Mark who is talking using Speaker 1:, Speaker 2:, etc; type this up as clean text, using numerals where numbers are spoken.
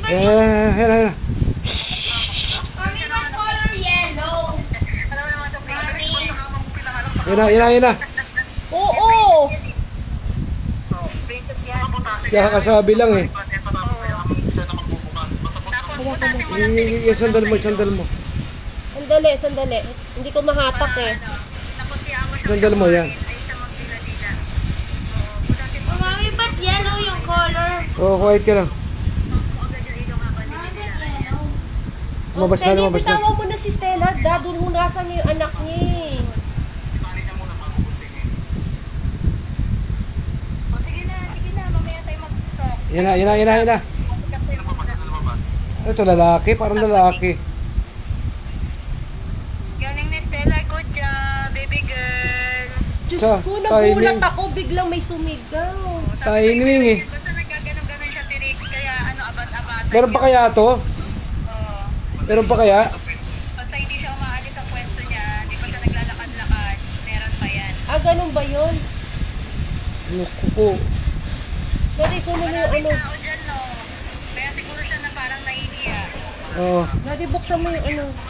Speaker 1: Ayan.
Speaker 2: Mami, what color yellow? Mami.
Speaker 1: Yan na.
Speaker 2: Oo.
Speaker 1: Kaya kasabi lang eh. Yung sandal mo.
Speaker 2: Sandali. Hindi ko mahapak eh.
Speaker 1: Sandal mo yan.
Speaker 2: Oh, Mami, ba't yellow yung color?
Speaker 1: Quiet ka lang.
Speaker 2: Mami, ba't yellow?
Speaker 1: Lumabas na.
Speaker 2: Bitawan mo na si Stella. Dadun mo nasa yung anak niya eh.
Speaker 1: Yan na. Ito lalaki, parang lalaki.
Speaker 3: Galing ni Stella, good job, baby girl.
Speaker 2: Diyos
Speaker 1: Sa
Speaker 2: ko, nagulat
Speaker 1: timing.
Speaker 2: ako. Biglang may sumigaw.
Speaker 1: Timing eh.
Speaker 3: Basta nagkaganon-ganon siya tirik, kaya abat-abat.
Speaker 1: Meron pa kaya to?
Speaker 3: Oo.
Speaker 1: Meron pa kaya?
Speaker 3: Basta hindi siya umaalis sa pwesto niya, hindi pa siya naglalakad-lakad, meron pa yan.
Speaker 2: Ganun ba yun?
Speaker 1: Naku po.
Speaker 2: Daddy, kunin mo yung
Speaker 3: Maraming
Speaker 2: ano.
Speaker 3: tao dyan, no? Kaya siguro siya na parang nahihiya.
Speaker 1: Oo.
Speaker 2: Daddy, buksan mo yung ano.